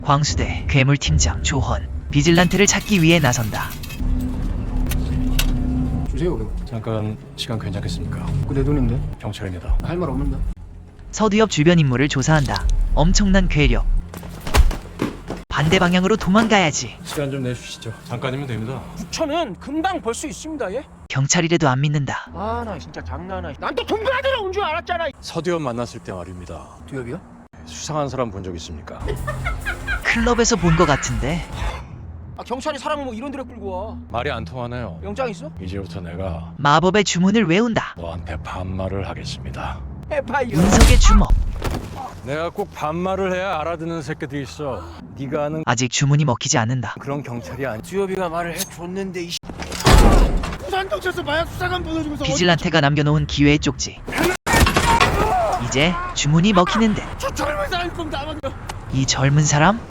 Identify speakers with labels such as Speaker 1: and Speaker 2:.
Speaker 1: 광수대 괴물팀장 조헌 비질란테를 찾기 위해 나선다.
Speaker 2: 주세요 그럼.
Speaker 3: 잠깐 시간 괜찮겠습니까?
Speaker 2: 그 내 돈인데
Speaker 3: 경찰입니다.
Speaker 2: 할 말 없는데.
Speaker 1: 서두엽 주변 인물을 조사한다. 엄청난 괴력. 반대 방향으로 도망가야지.
Speaker 3: 시간 좀 내주시죠. 잠깐이면 됩니다.
Speaker 2: 9천은 금방 벌 수 있습니다. 예?
Speaker 1: 경찰이라도 안 믿는다.
Speaker 2: 아 나 진짜 장난아. 난 또 돈 받으러 온 줄 알았잖아.
Speaker 3: 서두엽 만났을 때 말입니다.
Speaker 2: 두엽이요?
Speaker 3: 수상한 사람 본 적 있습니까?
Speaker 1: 클럽에서 본 것 같은데.
Speaker 2: 아 경찰이 사람을 뭐 이런 데로 끌고 와.
Speaker 3: 말이 안 통하네요.
Speaker 2: 영장 있어?
Speaker 3: 이제부터 내가
Speaker 1: 마법의 주문을 외운다.
Speaker 3: 너한테 반말을 하겠습니다.
Speaker 2: 해봐요.
Speaker 1: 운석의 주먹.
Speaker 3: 내가 꼭 반말을 해야 알아듣는 새끼들이 있어. 네가 아는
Speaker 1: 아직 주문이 먹히지 않는다.
Speaker 3: 그런 경찰이 아니.
Speaker 2: 두엽이가 말을 해줬는데 이 부산경찰서 마약 수사관 불러주고서
Speaker 1: 비질란테가 남겨놓은 기회의 쪽지. 이제 주문이 먹히는데
Speaker 2: 저 젊은 사람이 그럼 나만
Speaker 1: 이 젊은 사람?